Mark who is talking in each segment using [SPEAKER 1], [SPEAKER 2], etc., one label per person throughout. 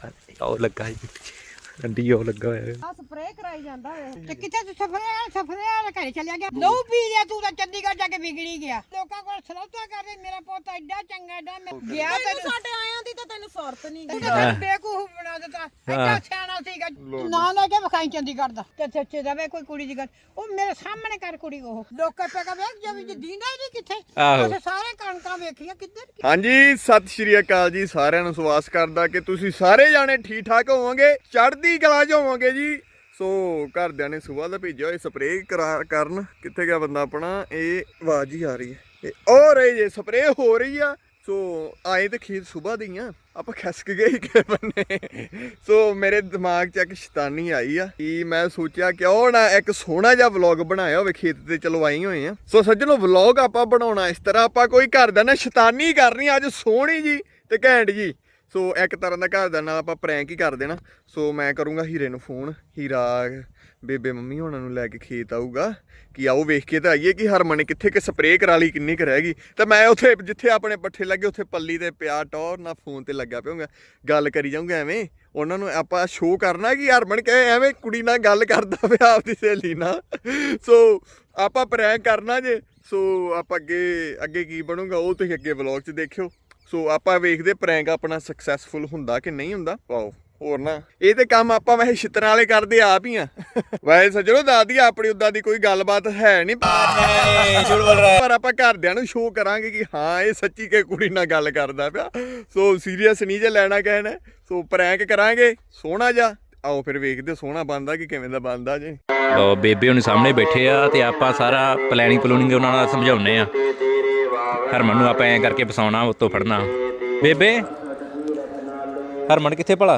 [SPEAKER 1] ਉਹ ਲੱਗਾ ਜੀ ਅੰਡੀ ਉਹ ਲੱਗਾ ਹੋਇਆ
[SPEAKER 2] ਆ ਸਪਰੇਅ ਕਰਾਈ ਜਾਂਦਾ ਵੇ ਤੇ ਕਿੱਥੇ ਤੂੰ ਸਪਰੇਅ ਵਾਲੇ ਘਰੇ ਚਲਿਆ ਗਿਆ ਲਹੂ ਪੀ ਲਿਆ ਤੂੰ ਤਾਂ ਚੰਡੀਗੜ੍ਹ ਜਾ ਕੇ ਵਿਗੜੀ ਗਿਆ ਲੋਕਾਂ ਕੋਲ ਸਲੌਤਾ ਕਰਦੇ ਮੇਰਾ ਪੁੱਤ ਐਡਾ ਚੰਗਾ ਐਡਾ ਗਿਆ ਤੈਨੂੰ ਸਾਡੇ ਆਇਆਂ ਦੀ ਤਾਂ ਤੈਨੂੰ ਸੁਰਤ ਨਹੀਂ ਤੂੰ ਤਾਂ ਬੇਵਕੂਫ ਬਣਾ ਦਿੱਤਾ ਐਡਾ ਸਿਆਣਾ ਸੀਗਾ ਨਾ ਲੈ ਕੇ ਵਿਖਾਈ ਚੰਡੀਗੜ੍ਹ ਦਾ ਤੇ ਸੱਚੇ ਦਾ ਵੇ ਕੋਈ ਕੁੜੀ ਦੀ ਗੱਲ ਉਹ ਮੇਰੇ ਸਾਹਮਣੇ ਕਰ ਕੁੜੀ ਉਹ ਲੋਕਾਂ ਪੇਗਾ ਵੇਖ ਜਿਵੇਂ ਦੀਂਦਾ ਹੀ ਨਹੀਂ ਕਿੱਥੇ ਅਸੀਂ ਸਾਰੇ ਕਣਕਾਂ ਵੇਖੀਆਂ ਕਿੱਧਰ
[SPEAKER 3] ਹਾਂਜੀ ਸਤਿ ਸ਼੍ਰੀ ਅਕਾਲ ਜੀ ਸਾਰਿਆਂ ਨੂੰ ਸਵਾਸ ਕਰਦਾ ਕਿ ਤੁਸੀਂ ਸਾਰੇ ਜਾਣੇ ਠੀਕ ਠਾਕ ਹੋਵੋਗੇ ਚੜ੍ਹਦੀ ਕਲਾ 'ਚ ਹੋਵੋਗੇ ਜੀ। ਸੋ ਘਰਦਿਆਂ ਨੇ ਸੁਬਾਹ ਦਾ ਭੇਜਿਆ ਹੋਇਆ ਸਪਰੇਅ ਕਰਨ ਕਿੱਥੇ ਗਿਆ ਬੰਦਾ ਆਪਣਾ ਇਹ ਆਵਾਜ਼ ਹੀ ਆ ਰਹੀ ਹੈ ਉਹ ਰਹੀ ਜੇ ਸਪਰੇਅ ਹੋ ਰਹੀ ਆ। ਸੋ ਆਏ ਤੇ ਖੇਤ ਸੁਬਾਹ ਦੀ ਆ ਆਪਾਂ ਖਸਕ ਗਏ ਕਿ ਬੰਨੇ। ਸੋ ਮੇਰੇ ਦਿਮਾਗ 'ਚ ਇੱਕ ਸ਼ੈਤਾਨੀ ਆਈ ਆ ਕਿ ਮੈਂ ਸੋਚਿਆ ਕਿਉਂ ਨਾ ਇੱਕ ਸੋਹਣਾ ਜਿਹਾ ਵਲੌਗ ਬਣਾਇਆ ਹੋਵੇ ਖੇਤ ਤੇ ਚਲੋ ਆਈ ਹੋਏ ਆ। ਸੋ ਸੱਜਣੋ ਵਲੌਗ ਆਪਾਂ ਬਣਾਉਣਾ ਇਸ ਤਰ੍ਹਾਂ ਆਪਾਂ ਕੋਈ ਘਰ ਦਾ ਨਾ ਸ਼ੈਤਾਨੀ ਕਰਨੀ ਅੱਜ ਸੋਹਣੀ ਜੀ ਤੇ ਘੈਂਟ ਜੀ। ਸੋ ਇੱਕ ਤਰ੍ਹਾਂ ਦਾ ਘਰ ਦਾ ਨਾਲ ਆਪਾਂ ਪ੍ਰੈਂਕ ਹੀ ਕਰ ਦੇਣਾ। ਸੋ ਮੈਂ ਕਰੂੰਗਾ ਹੀਰੇ ਨੂੰ ਫੋਨ ਹੀਰਾ ਬੇਬੇ ਮੰਮੀ ਹੋਣਾ ਨੂੰ ਲੈ ਕੇ ਖੇਤ ਆਊਗਾ ਕਿ ਆਓ ਵੇਖ ਕੇ ਤਾਂ ਆਈਏ ਕਿ ਹਰਮਨ ਨੇ ਕਿੱਥੇ ਕਿ ਸਪਰੇਅ ਕਰਾ ਲਈ ਕਿੰਨੀ ਕੁ ਰਹਿ ਗਈ ਤੇ ਮੈਂ ਉੱਥੇ ਜਿੱਥੇ ਆਪਣੇ ਪੱਠੇ ਲੱਗੇ ਉੱਥੇ ਪੱਲੀ ਤੇ ਪਿਆ ਟੌਰ ਨਾਲ ਫੋਨ ਤੇ ਲੱਗਾ ਪਿਆਉਂਗਾ ਗੱਲ ਕਰੀ ਜਾਊਂਗਾ ਐਵੇਂ ਉਹਨਾਂ ਨੂੰ ਆਪਾਂ ਸ਼ੋਅ ਕਰਨਾ ਕਿ ਹਰਮਨ ਕਹੇ ਐਵੇਂ ਕੁੜੀ ਨਾਲ ਗੱਲ ਕਰਦਾ ਪਿਆ ਆਪਦੀ ਸਹੇਲੀ ਨਾਲ। ਸੋ ਆਪਾਂ ਪ੍ਰੈਂਕ ਕਰਨਾ ਜੇ। ਸੋ ਆਪਾਂ ਅੱਗੇ ਕੀ ਬਣੂਗਾ ਉਹ ਤੁਸੀਂ ਅੱਗੇ ਵਲੌਗ 'ਚ ਦੇਖਿਓ। ਸੋ ਆਪਾਂ ਵੇਖਦੇ ਪ੍ਰੈਂਕ ਆਪਣਾ ਸਕਸੈਸਫੁਲ ਹੁੰਦਾ ਕਿ ਨਹੀਂ ਹੁੰਦਾ। ਵਾਓ ਹੋਰ ਨਾ ਇਹ ਤੇ ਕੰਮ ਆਪਾਂ ਵੈਸੇ ਛਿੱਤਰਾਂ ਵਾਲੇ ਕਰਦੇ ਆਪ ਹੀ ਆ। ਵੈਸੇ ਸੱਜਣੋ ਦਾਦੀ ਆਪਣੀ ਉਦਾਂ ਦੀ ਕੋਈ ਗੱਲਬਾਤ ਹੈ ਨਹੀਂ ਪਰ ਆਪਾਂ ਘਰਦਿਆਂ ਨੂੰ ਸ਼ੋਅ ਕਰਾਂਗੇ ਕਿ ਹਾਂ ਇਹ ਸੱਚੀ ਕਿ ਕੁੜੀ ਨਾਲ ਗੱਲ ਕਰਦਾ ਪਿਆ। ਸੋ ਸੀਰੀਅਸ ਨਹੀਂ ਜੇ ਲੈਣਾ ਕਹਿਣਾ। ਸੋ ਪ੍ਰੈਂਕ ਕਰਾਂਗੇ ਸੋਹਣਾ ਜਿਹਾ ਆਓ ਫਿਰ ਵੇਖਦੇ ਸੋਹਣਾ ਬਣਦਾ ਕਿ ਕਿਵੇਂ ਦਾ ਬਣਦਾ ਜੇ।
[SPEAKER 1] ਲੋ ਬੇਬੇ ਹੁਣ ਸਾਹਮਣੇ ਬੈਠੇ ਆ ਤੇ ਆਪਾਂ ਸਾਰਾ ਪਲੈਨਿੰਗ ਉਹਨਾਂ ਨਾਲ ਸਮਝਾਉਣੇ ਆ। ਹਰਮਨ ਨੂੰ ਆਪਾਂ ਐਂ ਕਰਕੇ ਫਸਾਉਣਾ ਉੱਤੋਂ ਫੜਨਾ। ਬੇਬੇ ਹਰਮਨ ਕਿੱਥੇ ਭਲਾ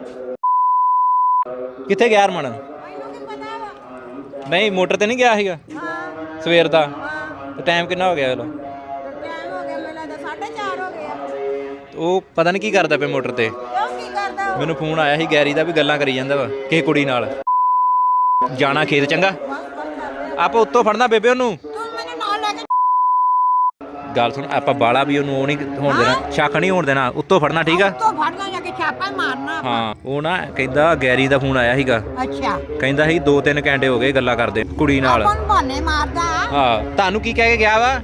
[SPEAKER 1] ਕਿੱਥੇ ਗਿਆ ਹਰਮਨ? ਨਹੀਂ ਮੋਟਰ ਤੇ ਨਹੀਂ ਗਿਆ ਸੀਗਾ ਸਵੇਰ ਦਾ ਤੇ ਟਾਈਮ ਕਿੰਨਾ ਹੋ ਗਿਆ? ਉਹ ਪਤਾ ਨਹੀਂ ਕੀ ਕਰਦਾ ਪਿਆ ਮੋਟਰ ਤੇ। ਮੈਨੂੰ ਫੋਨ ਆਇਆ ਸੀ ਗੈਰੀ ਦਾ ਵੀ ਗੱਲਾਂ ਕਰੀ ਜਾਂਦਾ ਵਾ ਕਿਸੇ ਕੁੜੀ ਨਾਲ। ਜਾਣਾ ਖੇਤ ਚੰਗਾ ਆਪਾਂ ਉੱਤੋਂ ਫੜਨਾ ਬੇਬੇ ਉਹਨੂੰ। ਗੱਲ ਸੁਣ ਆਪਾਂ ਬਾਲਾ ਵੀ ਉਹਨੂੰ ਉਹ ਨਹੀਂ ਹੋਣ ਦੇਣਾ ਸ਼ੱਕ ਨਹੀਂ ਹੋਣ ਦੇਣਾ ਉੱਤੋਂ ਫੜਨਾ ਠੀਕ ਆ। ਹਾਂ ਉਹ ਨਾ ਕਹਿੰਦਾ ਗੈਰੀ ਦਾ ਫੋਨ ਆਇਆ ਸੀਗਾ। ਅੱਛਾ ਕਹਿੰਦਾ ਸੀ 2-3 ਘੰਟੇ ਹੋ ਗਏ ਗੱਲਾਂ ਕਰਦੇ ਕੁੜੀ ਨਾਲ। ਹਾਂ ਤੁਹਾਨੂੰ ਕੀ ਕਹਿ ਕੇ ਗਿਆ ਵਾ?